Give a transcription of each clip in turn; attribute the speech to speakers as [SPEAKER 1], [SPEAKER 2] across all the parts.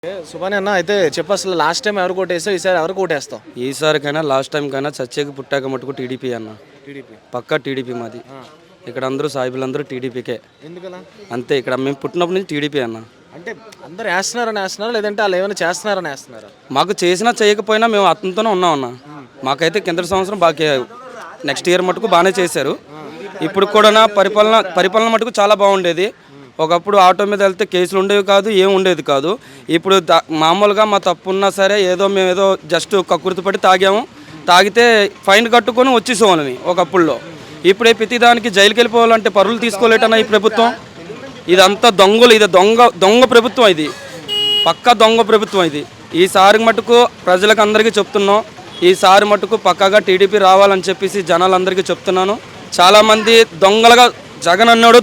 [SPEAKER 1] సుభాని అన్న అయితే చెప్పు అసలు లాస్ట్ టైం ఎవరు కోటేస్తావు ఈసారి ఎవరు కోటేస్తావు?
[SPEAKER 2] ఈసారికైనా లాస్ట్ టైం కైనా చచ్చేకి పుట్టాక మటుకు టీడీపీ అన్న.
[SPEAKER 1] టీడీపీ
[SPEAKER 2] పక్కా టీడీపీ మాది. ఇక్కడ అందరూ సాయిబులందరూ టీడీపీకే.
[SPEAKER 1] ఎందుకలా?
[SPEAKER 2] అంతే, ఇక్కడ మేము పుట్టినప్పటి నుంచి టీడీపీ అన్న.
[SPEAKER 1] అంటే అందరు వేస్తున్నారా లేదంటే వాళ్ళు ఏమైనా చేస్తున్నారని వేస్తున్నారా?
[SPEAKER 2] మాకు చేసినా చేయకపోయినా మేము అతనితోనే ఉన్నాం అన్న. మాకైతే కింద సంవత్సరం బాగా నెక్స్ట్ ఇయర్ మటుకు బాగానే చేశారు. ఇప్పుడు కూడా పరిపాలన మటుకు చాలా బాగుండేది. ఒకప్పుడు ఆటో మీద వెళ్తే కేసులు ఉండేవి కాదు, ఏం ఉండేది కాదు. ఇప్పుడు మామూలుగా మా తప్పు ఉన్నా సరే మేము జస్ట్ కక్కుర్తిపడి తాగితే ఫైన్ కట్టుకొని వచ్చేసేవాళ్ళని ఒకప్పుడులో. ఇప్పుడే ప్రతిదానికి జైలుకి వెళ్ళిపోవాలంటే పరువులు తీసుకోలేటన్నా ఈ ప్రభుత్వం. ఇదంతా దొంగలు, ఇది దొంగ ప్రభుత్వం, ఇది పక్కా దొంగ ప్రభుత్వం ఇది. ఈసారి మటుకు ప్రజలకు అందరికీ చెప్తున్నాం, ఈసారి మటుకు పక్కాగా టీడీపీ రావాలని చెప్పేసి జనాలందరికీ చెప్తున్నాను. చాలామంది దొంగలుగా జగన్ అన్నాడు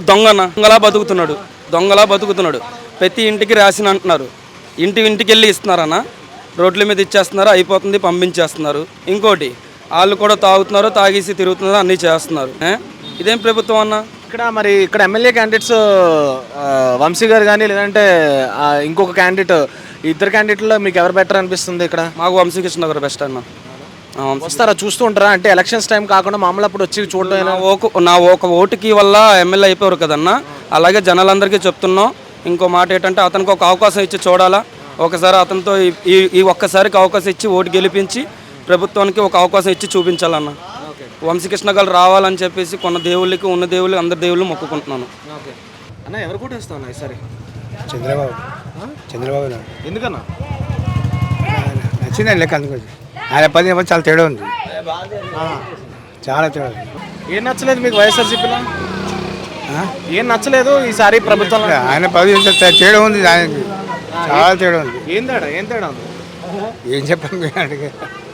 [SPEAKER 2] దొంగలా బతుకుతున్నాడు. ప్రతి ఇంటికి రేషన్ అంటున్నారు, ఇంటికి వెళ్ళి ఇస్తున్నారన్న, రోడ్ల మీద ఇచ్చేస్తున్నారు, అయిపోతుంది పంపించేస్తున్నారు. ఇంకోటి వాళ్ళు కూడా తాగుతున్నారు, తాగేసి తిరుగుతున్నారు, అన్నీ చేస్తున్నారు. ఇదేం ప్రభుత్వం అన్న?
[SPEAKER 1] ఇక్కడ ఎమ్మెల్యే క్యాండిడేట్స్ వంశీ గారు కానీ లేదంటే ఇంకొక క్యాండిడేట్, ఇద్దరు క్యాండిడేట్లో మీకు ఎవరు బెటర్ అనిపిస్తుంది? ఇక్కడ
[SPEAKER 2] మాకు వంశీకృష్ణ గారు బెస్ట్ అన్న.
[SPEAKER 1] వస్తారా, చూస్తూ ఉంటారా? అంటే ఎలక్షన్స్ టైం కాకుండా మామూలు అప్పుడు వచ్చి చూడడం.
[SPEAKER 2] నా ఒక ఓటుకి వల్ల ఎమ్మెల్యే అయిపోయారు కదన్న. అలాగే జనాలందరికీ చెప్తున్నాం. ఇంకో మాట ఏంటంటే అతనికి ఒక అవకాశం ఇచ్చి చూడాలా. ఒకసారి అతనితో ఈ ఒక్కసారికి అవకాశం ఇచ్చి ఓటు గెలిపించి ప్రభుత్వానికి ఒక అవకాశం ఇచ్చి చూపించాలన్న. వంశీకృష్ణ గారు రావాలని చెప్పేసి ఉన్న దేవుళ్ళకి అందరి దేవుళ్ళు మొక్కుకుంటున్నాను.
[SPEAKER 1] అన్న ఎవరు కొట్టేస్తాను ఈసారి?
[SPEAKER 3] చంద్రబాబు
[SPEAKER 1] ఎందుకన్నా?
[SPEAKER 3] నచ్చిందండి లెక్క, అందుకోసం ఆయన పని చాలా తేడా ఉంది, చాలా తేడా ఉంది.
[SPEAKER 1] ఏం నచ్చలేదు మీకు వైఎస్ఆర్సీపీలో? ఏం నచ్చలేదు ఈసారి ప్రభుత్వం?
[SPEAKER 3] ఆయన పది తేడా ఉంది, ఆయనకి చాలా తేడా ఉంది.
[SPEAKER 1] ఏం తేడా ఉంది?
[SPEAKER 3] ఏం చెప్పండి.